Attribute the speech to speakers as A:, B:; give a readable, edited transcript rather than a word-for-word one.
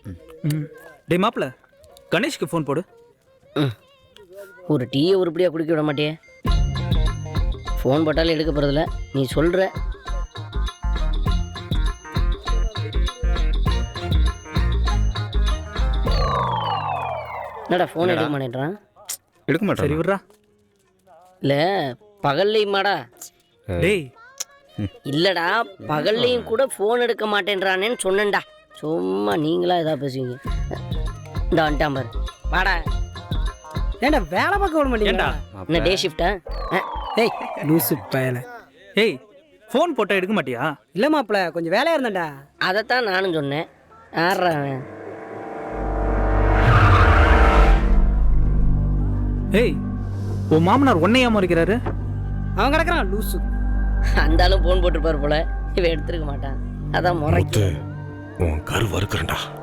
A: டே மாப்பிள்ள கணேஷ்க்கு ஃபோன் போடு.
B: ஒரு டீயை உருப்படியாக குடிக்க விட மாட்டியே. ஃபோன் போட்டாலும் எடுக்க போகிறதில்ல, நீ சொல்கிற. என்னடா ஃபோன் எடுக்க மாட்டேன்றான்?
C: எடுக்க மாட்டேன்.
A: சரி விட்றா.
B: இல்லை பகல்லையுமாடா?
A: டேய்
B: இல்லைடா பகல்லையும் கூட ஃபோன் எடுக்க மாட்டேன்றானேன்னு சொன்னேன்டா. சும்மா நீங்களா எதாவது பேசுவீங்க. இந்த வந்துட்டான் பாரு, வாடா.
D: ஏன்டா வேலை பார்க்க விட
A: ஏண்டா?
D: மாட்டேங்க?
B: என்ன டே ஷிஃப்டா?
D: ஏய் லூசு பயல.
A: ஏய் ஃபோன் போட்டால் எடுக்க மாட்டியா?
D: இல்லை மாப்பிள்ள கொஞ்சம் வேலையாக இருந்தேன்டா.
B: அதைத்தான் நானும் சொன்னேன். யாரா அவன்?
A: ஏய் உன் மாமனார் உன்னையா முறைக்கிறாரு?
D: அவன் கிடக்குறான் லூசு.
B: அந்த ஆளும் ஃபோன் போட்டுருப்பாரு போல, இவன் எடுத்துருக்க மாட்டான். அதான் முறைக்கு
E: உன் கரு வறுக்கிறேன்டா.